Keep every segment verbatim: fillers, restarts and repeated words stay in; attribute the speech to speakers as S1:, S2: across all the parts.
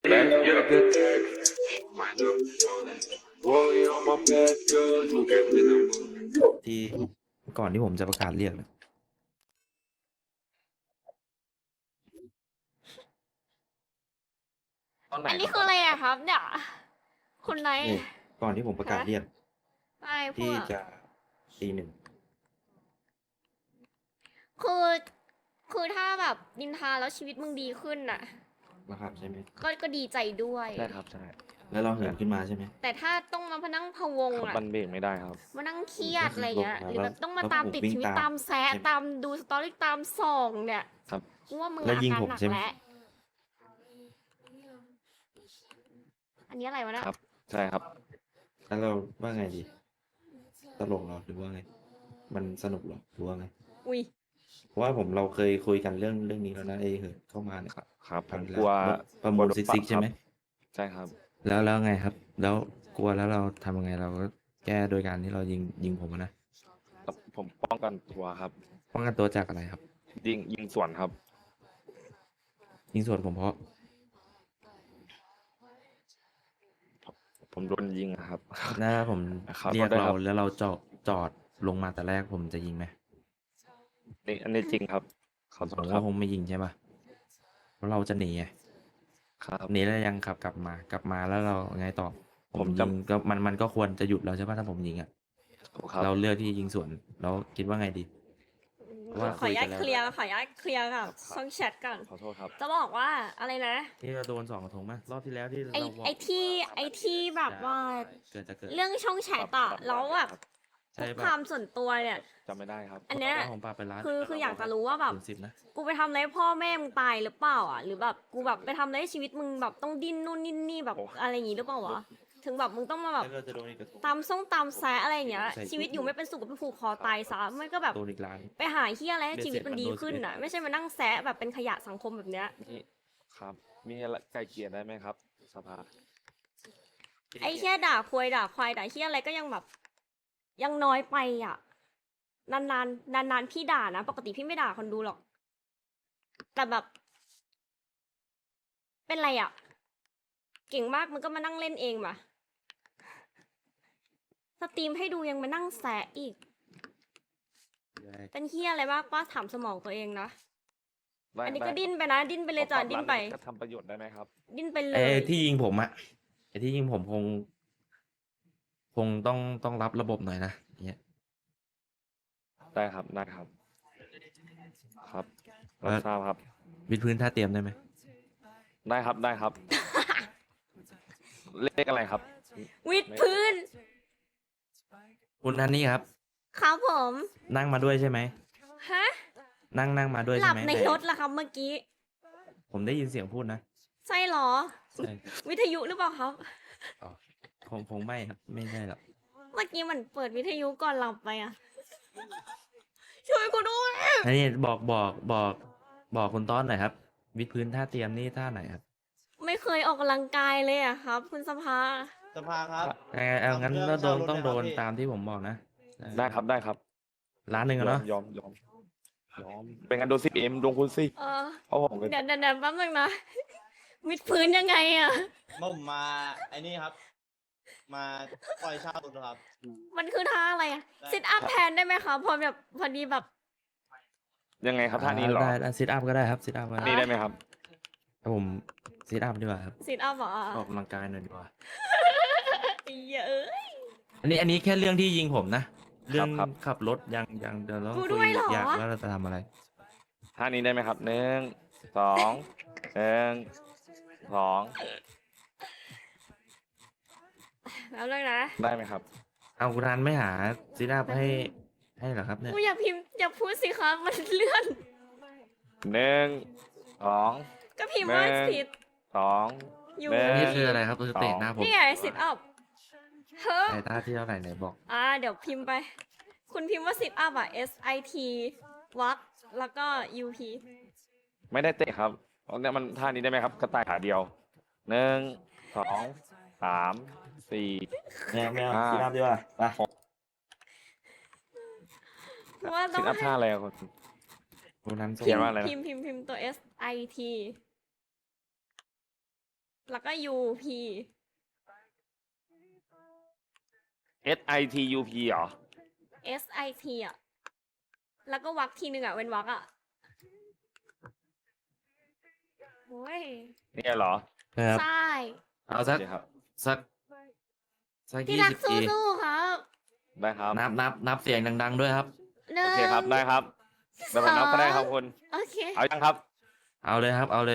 S1: Back up the tech. Mind up. Rolling on my bed, girl. Look at me now.
S2: ที่ก่อนที่ผมจะประกาศเรียกนะ
S3: ตอนไหน
S4: อันนี้
S3: ค
S4: คือ
S3: รับ
S4: อะไรอะครับเนี่ยคุณไนท์
S2: นี่ก่อนที่ผมประกาศเรียก
S4: อะไรพว
S2: ที่
S4: ก
S2: จะตีหนึ่ง
S4: คือคือถ้าแบบนินทาแล้วชีวิตมึงดีขึ้นน่ะ
S2: นะครับใช่ไหม
S4: ก็ก็ดีใจด้วย
S3: ใช่ครับใช่
S2: แล้วเราเหินขึ้นมาใช่ไหม
S4: แต่ถ้าต้องมาพนั่งพะวง
S3: ครับ
S4: อะ
S3: มันเบรกไม่ได้ครับ
S4: มานั่งเครียดอะไรเงี้ย
S2: แล้ว
S4: หรือแบบต้องมา
S2: แล้ว
S4: ตาม
S2: ผม
S4: ติด
S2: วิ่ง
S4: ชีวิต
S2: ตาม
S4: ตามแซะ
S2: ใช่ไหม
S4: ตามดูสตอรี่ตามส่องเนี่ย
S3: ครับ
S4: กูว่ามึง
S2: แล้ว
S4: อา
S2: ยิง
S4: การ
S2: ผม
S4: หนัก
S2: ใช่ไหม
S4: แล้วอันนี้อะไรวะเนี่ย
S3: ครับ ใช่ครับ
S2: แล้วเราว่าไงดี ตลกเหรอหรือว่าไง มันสนุกเหรอหรือว่าไง
S4: อุ้ย
S2: เพราะว่าผมเราเคยคุยกันเรื่องเรื่องนี้แล้วนะไอ้เหินเข้ามาเนี่ย
S3: ครับครับผ
S2: ครั้ง
S3: ม
S2: ที่
S3: กลัว
S2: แล้วประมูล
S3: กลัว
S2: ซิก
S3: โดน
S2: ซิก
S3: ปรับ
S2: ใช่ไหม
S3: ครับใช่ครับ
S2: แล้วแล้วไงครับ แล้วกลัวแล้วเราทำยังไงเราก็แก้โดยการที่เรายิงยิงผมอะนะ
S3: ครับผมป้องกันตัวครับ
S2: ป้องกันตัวจากอะไรครับ
S3: ยิงยิงสวนครับ
S2: ยิงส่วนผมเพราะ
S3: ผมโดนยิงอะครับ
S2: ถ้าผม
S3: ครับ
S2: เรียก
S3: ได้
S2: เรา
S3: ครับ
S2: แล้วเราจอดจอดลงมาแต่แรกผมจะยิงไหม
S3: นี่อันนี้จริงครับขอโท
S2: ผ
S3: ษ
S2: ม
S3: ครั
S2: ว่า
S3: บ
S2: คงไม่ยิงใช่ปะเพราะเราจะหนีไง
S3: ครับ
S2: หนีแล้วยังขับกลับมา กลับมาแล้วเราไงต่อ
S3: ผม
S2: ยิ
S3: จะ
S2: งก็มันมันก็ควรจะหยุดแล้วใช่ปะถ้าผมยิงอ่ะ
S3: ครับ
S2: เราเลือกที่ยิงสวนเราคิดว่าไงดี ว่า
S4: ขออนุญาต
S2: คุ
S4: เค
S2: ยกันแล้ว
S4: ลียร์ขออนุญาตเคลียร์กับช่องแชทก่อน
S3: ขอโทษครับ
S4: จะบอกว่าอะไรนะ
S2: ที่เราโดนสองกระทงไหมรอบที่แล้วที่
S4: ไอ
S2: เราบก
S4: ไอที่ไอที่แบบว่า
S2: เกิดจะเกิด
S4: เรื่องช่องแชทอะแล้วแบบ
S2: ใช่
S4: คุก
S2: ปะ
S4: คามส่วนตัวเนี่ย
S3: จำไม่ได้ครับ
S4: อันเนี้ย
S2: แล้วผมปาไปร้าน
S4: คือคืออยากจะรู้ว่าแบบ
S2: ศูนย์สิบนะ
S4: กูไปทำอะไรให้พ่อแม่มึงตายหรือเปล่าอ่ะ หรือแบบกูแบบไปทำอะไรให้ชีวิตมึงแบบต้องดิ้นนู่นดิ้นนี่แบบ
S3: โอ้
S4: อะไรอย่างงี้หรือเปล่าวะถึงแบบมึงต้องมาแบบ
S2: แล้วเราจะโดนอีกกระทง
S4: ตามส่งตามแซะอะไรอย่างเงี้ย
S2: ใส่
S4: ชีวิตอยู่ไม่เป็นสุขก็ไปผูกคอตายซะมันก็แบบ
S2: โดนอีกร้าน
S4: ไปหาเฮียอะไรให้ชีวิตมันดีขึ้น
S2: เบ็ดเสร็จ
S4: อ่ะ ไม่ใช่มานั่งแซะแบบเป็นขยะสังคมแบบเนี้ย
S3: นี่ครับ มีอะไรไกลเกลี่ยได้ไหมครับ สภา
S4: ไอ้เฮียด่าควยด่าควายด่าเฮียอะไรก็ยังแบบ ยังน้อยไปอ่ะ นานๆนานๆพี่ด่านะปกติพี่ไม่ด่าคนดูหรอก แต่แบบ เป็นไรอ่ะ เก่งมากมันก็มานั่งเล่นเองมาสตรีมให้ดูยังมานั่งแซะอีก เป็นเฮียอะไรมากป้าถามสมองตัวเองนะ
S3: ได้
S4: อันนี้
S3: ได้
S4: ก็ดิ้นไปนะ ดิ้นไปเลยจ้ะ
S3: ขอปรับ
S4: ดิ้นไป
S3: ร้าก็ทำประโยชน์ได้ไหมครับ
S4: ดิ้นไปเล
S2: ไอ้
S4: ย
S2: ที่ยิงผมอะไอ้ที่ยิงผมคง คงต้องต้องรับระบบหน่อยนะอย่างเงี้ย
S3: ได้ครับ ได้ครับ ครับ
S2: เอ่
S3: รั
S2: อ
S3: บทราบครับ
S2: วิดพื้นท่าเตรียมได้ไหม
S3: ได้ครับ ได้ครับ เลขอะไรครับ
S4: วิดพื้น
S2: คุณอันนี้ครับ
S4: ครับผม
S2: นั่งมาด้วยใช่ไหม
S4: ฮะ
S2: นั่งนั่งมาด้วย
S4: ห
S2: ใช่
S4: ลับ
S2: ไหม
S4: ใน
S2: แต่
S4: รถละครับเมื่อกี้
S2: ผมได้ยินเสียงพูดนะ
S4: ใช่เหรอ
S2: ใช่
S4: วิทยุหรือเปล่าครับ
S2: อ๋อคงคงไม่ครับไม่ใช่หรอก
S4: เมื่อกี้มันเปิดวิทยุก่อนหลับไปอ่ะ ช่วยกูด้วย
S2: อันนี้บอกบอกบอกบอกคุณต้อนหน่อยครับ วิดพื้นท่าเตรียมนี่ท่าไหนครับ
S4: ไม่เคยออกกำลังกายเลยอะครับ คุณสภา
S5: สภาครับ
S2: เออเอางั้น
S5: เอา
S2: ก็
S5: เครื่
S2: โด
S5: อง
S2: น
S5: เช่ารถ
S2: ต้องโดน
S5: ไหมครับพี่
S2: ตามที่ผมบอกนะ
S3: ได้ครับ ได้ครับ
S2: ร้านหนึ่ง
S3: ย
S2: อะ
S3: อ
S2: เนาะ
S3: มยอมยอมยอม เป็นกันโดนสิบเอ็มดวงคุณสิ
S4: เออ
S3: เพราะผมเป็น
S4: เดี๋ยวเดี๋ยวเดี๋ยวแป๊บนึงนะ วิดพื้นยังไงอะ
S5: ผมมาไอ้นี่ครับ มาปล่อยเช่ารถครับ
S4: มันคือท่าอะไรอะ
S5: ได้
S4: ซิทอัพแทนได้ไหมคะพอแบบพอดีแบบ
S3: ยังไงครับท่านี้เหรอ
S2: ได้ได้ซิทอัพก็ได้ครับซิทอัพก็
S3: นี่
S2: ได้
S3: ได้ไหมครับ
S2: เอาผมซิทอัพดีกว่าครับ
S4: ซิทอัพเหรอ
S2: ออกกำลังกายหน่อยดีกว่า
S4: เยอะเอ้ย
S2: อันนี้อันนี้แค่เรื่องที่ยิงผมนะ เรื่อง
S3: ครับ
S2: ขับรถยังยังเดี๋ยวเรา
S4: กู
S2: คุ
S4: ด้วยเหรอ
S2: อยากว่าเราจะทำอะไร
S3: ท่านี้ได้ไหมครับหนึ่งสองหนึ่งสอง
S4: แล้วเลยนะ
S3: ได้ไหมครับ
S2: เอาคุณรันไม่หาซิทอัพให้ให้เหรอครับเนี่ย
S4: กูอย่าพิมพ์อย่าพูดสิคะมันเลื่อน
S3: หนึ่งสอง
S4: ก็พิมพ์ว่า
S3: แม่
S4: สิท
S3: สอง
S4: อยู่
S3: หนึ่ง
S2: นี่คืออะไรครับคือเตะหน้าผม
S4: นี่ไงสิทอัพเฮ้อ
S2: ในท่าที่เท่าไหร่ไหนบอก
S4: อ่าเดี๋ยวพิมพ์ไป คุณพิมพ์ว่าสิทอัพอ่ะ S I T วักแล้วก็ U P
S3: ไม่ได้เตะครับเอาเนี่ยมันท่านี้ได้ไหมครับ กระต่ายขาเดียวหนึ่งสองสามสี่
S2: แมวแมว
S3: อ่า
S2: ซิทอัพดีกว่าไป
S4: ว่าต้
S3: สิ
S4: อง
S3: นอัพท่าอะไรอะคุณ
S2: คุณรัน
S3: เขียนว่าอะไรนะ
S4: พิมพ์พิมพ์พิมพ์ตัว S I T แล้วก็ U P
S3: S I T U P เหรอ
S4: S I T อ่ะ แล้วก็วักทีหนึ่งอ่ะเว้นวักอ่ะโอ้ย
S3: เนี่ยเหรอ
S2: นะครับ
S4: ใช่
S2: เอา
S3: โอ
S2: สัก
S3: เคครับ
S2: สักสัก
S4: พี่
S2: ยี่
S4: รัก
S2: สิบที
S4: สู้ๆครับ
S3: ได้ครับ
S2: นับนับนับเสียงดัง ๆ ด้วยครับ
S4: หนึ่
S3: โอง เคครับ ได้ครับเดี๋ยวผมนับก็ได้ครับคุณ
S4: โอเค
S3: เอายังครับ
S2: เอาเลยครับ เอาเลย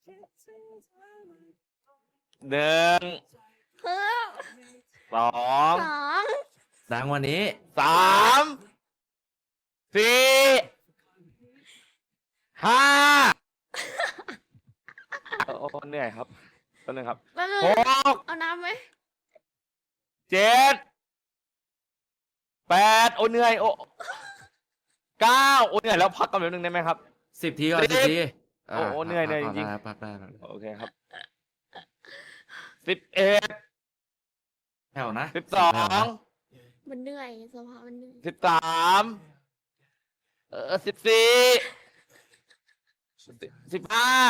S3: หนึ่ง
S4: เพิ่ม
S3: สอง
S4: สอง
S2: ดังวันนี้
S3: สามสี่ห้าโอ้โอ้เหนื่อยครับต้นนึงครับ
S4: แป๊บนึง
S3: หก
S4: เอาน้ำไหม
S3: เจ็ดแปดโอ้เหนื่อยโอ้เก้าโอ้เหนื่อยแล้วพักกันแป๊บนึงได้ไหมครับ
S2: สิบทีก่อน
S3: สิ
S2: สิ
S3: บ
S2: ที
S3: โอ้โหเหนื่อยเหนื่อย
S2: พัก
S3: จริง
S2: ได้พักได้พักได้
S3: โอเคครับสิบเอ็ด
S2: แถวนะ
S3: สิบสอง
S4: มันเหนื่อยสภาพมันเหนื่อย
S3: สิบสามเออสิบสี่สิบห้า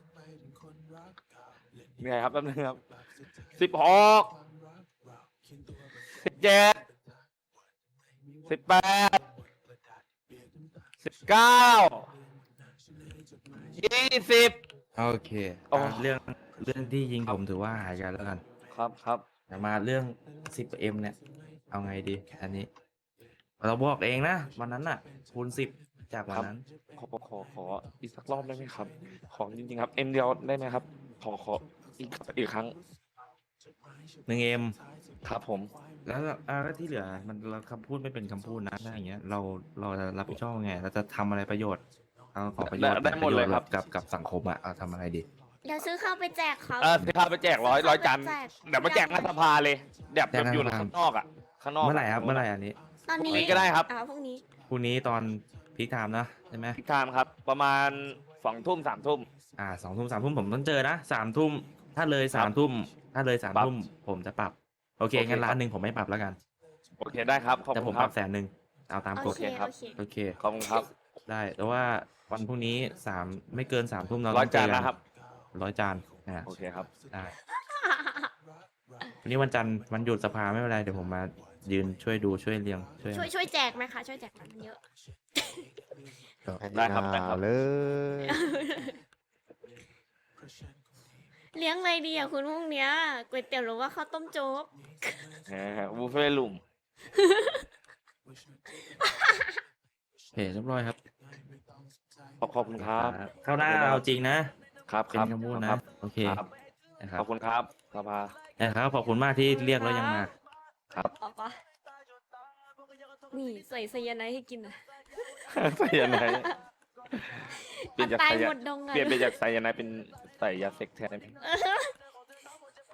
S3: เหนื่อยครับแป๊บนึงครับสิบหกสิบเจ็ดสิบแปดสิบเก้ายี่สิบ
S2: โอเค
S3: โอ้
S2: อ่ะเรื่องเรื่องที่ยิงผมถือว่าหายกันแล้วกัน
S3: ครับครับ
S2: แต่มาเรื่อง สิบเอ็ม เนี่ย เอาไงดี อันนี้ เราบอกเองนะ วันนั้นน่ะ คูณสิบจากวันนั้น
S3: ขอขอขอขออีกสักรอบได้ไหมครับ ขอจริงๆครับเอ็มเดียวได้ไหมครับ ขอขออีกอีกครั้ง
S2: หนึ่งเอ็ม
S3: ครับผม
S2: แล้วอ่าแล้วที่เหลือ มันเราคำพูดไม่เป็นคำพูดนะถ้าอย่างเงี้ย เราเราจะรับผิดชอบยังไง เราจะทำอะไรประโยชน์ เอาขอประโยชน์
S3: ได้ได้หมดเลยครับ
S2: กับกับสังคมอะเอาทำอะไรดี
S4: เดี๋ยวซื้อข้าวไปแจกครับ
S3: เออสิพาไปแจกร้อยร้อยจาน
S4: แจก
S3: เดี๋ยวมาแจกหน้าสภาเลยเดี๋ยวแบบอยู่
S2: แจกหน้าสภา
S3: ข้างนอกอ่ะข้างนอก
S2: เมื่อไหร่ครับ เมื่อไหร่อันนี้
S4: ตอนนี้
S3: พรุ่งนี้ก็ได้ครับ
S4: อ่าพรุ่งนี้
S2: พรุ่งนี้ตอนพีคไทม์นะใช่ไหม
S3: ทิศทางครับ ประมาณสองทุ่มสามทุ่ม
S2: อ่าสองทุ่มสามทุ่มผมต้องเจอนะสามทุ่มถ้าเลยสามทุ่มถ้าเลยสาม
S3: ปรับ
S2: ทุ่มผมจะปรับ โอเค
S3: โอเค
S2: งั้น
S3: ครับ
S2: ล้านหนึ่งผมไม่ปรับแล้วกัน
S3: โอเคได้ครับขอบ
S2: แต่ผ
S3: คุ
S2: ม
S3: ณ
S2: ป
S3: ค
S2: รั
S3: รั
S2: บบ แสนหนึ่งเอาตามก
S4: โอ
S2: ฎ
S4: เค
S3: ครับ
S4: โอเค
S2: โอเค
S3: ขอบคุณครับ
S2: ได้แต่ว่าวันพรุ่งนี้สามไม่เกินสามทุ่มเรา
S3: ร้อ
S2: ต้
S3: ย
S2: องเจ
S3: จา
S2: อน กัน
S3: นะครับ
S2: ร้อยจานอ่า
S3: โอเคครับ
S2: ได้วันนี้วันจันทร์วันหยุดสภาไม่เป็นไรเดี๋ยวผมมายืนช่วยดูช่วยเรียงช่วย
S4: ช่วยช่วยแจกไหมคะ ช่วยแจกหน่อยมันเยอะ
S3: ได้ครับได้ครับ
S6: เลย
S4: เลี้ยงอะไรดีอ่ะคุณพรุ่งเนี้ยก๋วยเตี๋ยวหรือว่าข้าวต้มโจ๊ก
S3: แหมบุฟเฟ่ต์ลุม
S2: โอเคเรียบร้อยครับ
S3: ขอบขอบคุณครับ
S2: เข้าหน้าเอาจริงนะครับ
S3: ค
S2: เป็น
S3: รับ
S2: คำพูด
S3: ค
S2: นะ
S3: รับ
S2: โอเค
S3: ครับ
S2: นะครั
S3: ข
S2: บ
S3: อบคุณครับสภา
S2: นะครับขอบคุณมากที่เรียกแล้วยังมา
S3: ครับ
S4: ออกปะนี่ใส่ไซยาไนด์ให้กินอ่ะ
S3: ใส่ยาไนด์เปลี่ยนจาก
S4: ตาย
S3: ใส่ยา
S4: หมดดงอ่ะ
S3: เปลี่ยนไปจากใส่ยาไนด์เป็นใส่ยาเซ็กแทนได้ไหม
S4: เออ